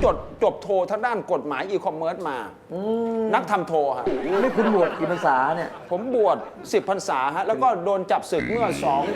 จบโททางด้านกฎหมายอีคอมเมิร์ซมานักทำโทฮะนี่คุณบวชกี่พรรษาเนี่ยผมบวช10 พรรษาฮะแล้วก็โดนจับศึกเมื่อ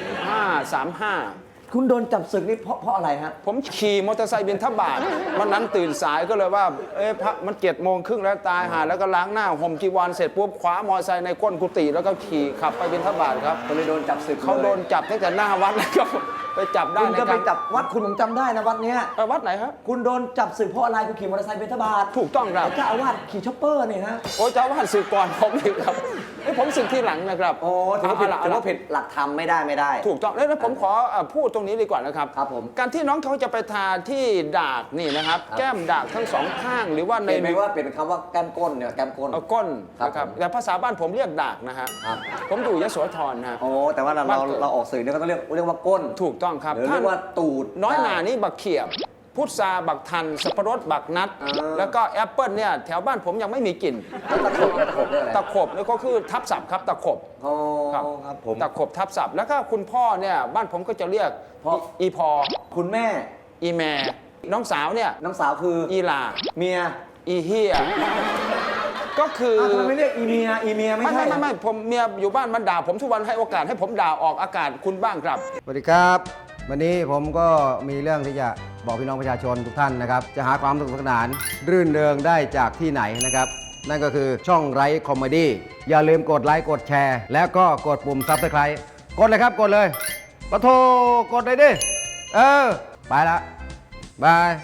2535 คุณโดนจับศึกนี่เพราะอะไรฮะผมขี่มอเตอร์ไซค์บิณฑบาตวันนั้นตื่นสายก็เลยว่าพระมัน7:30แล้วตายหาแล้วก็ล้างหน้าห่มจีวรเสร็จปุ๊บคว้ามอเตอร์ไซค์ในก้นกุฏิแล้วก็ขี่ขับไปบิณฑบาตครับก็เลยโดนจับศึกเขาโดนจับตั้งแต่หน้าวัดแล้วก็ไปจับได้คุณก็ไปจับวัดคุณผมจำได้นะวัดเนี้ยวัดไหนครับคุณโดนจับศึกเพราะอะไรคุณขี่มอเตอร์ไซค์บิณฑบาตถูกต้องครับเจ้าอาวาสขี่ช็อปเปอร์นี่ฮะโอ้เจ้าอาวาสศึกก่อนผมอีกครับผมศึกที่หลังนะครับโอ้ถือว่าผิดหลักธรรมไม่ได้ถูกต้องแล้วผมขอพูดตรงนี้ดีกว่านะครับครับผมการที่น้องเขาจะไปทาที่ดากนี่นะครับแก้มดากทั้งสองข้างหรือว่าในเป็นว่าเป็นคำว่าแก้มก้นเนี่ยแก้มก้นก้นนะครับแต่ภาษาบ้านผมเรียกดากนะฮะผมอยู่ยโสธรนะโอ้แต่ว่าเราออกสื่อเนี่ยก็ต้องเรียกว่าก้นถูกต้องครับเรียกว่าตูดน้อยหนานี่บักเขียบพุทราบักทันสับปะรดบักนัดแล้วก็แอปเปิลเนี่ยแถวบ้านผมยังไม่มีกลิ่นตะขบนี่ก็คือทับศัพท์ครับตะขบครับผมตะขบทับศัพท์แล้วก็คุณพ่อเนี่ยบ้านผมก็จะเรียกอีพอคุณแม่อีแม่น้องสาวเนี่ยน้องสาวคืออีลาเมียอีเฮียก็คือทำไมไม่เรียกอีเมียไม่ใช่ไม่ผมเมียอยู่บ้านมันด่าผมทุกวันให้โอกาสให้ผมด่าออกอากาศคุณบ้างครับสวัสดีครับวันนี้ผมก็มีเรื่องที่จะบอกพี่น้องประชาชนทุกท่านนะครับจะหาความสนุกสนานรื่นเริงได้จากที่ไหนนะครับนั่นก็คือช่องไร้คอมเมดี้อย่าลืมกดไลค์กดแชร์แล้วก็กดปุ่มซับสไครต์กดเลยครับกดเลยปะโทกดเลยดิไปละบาย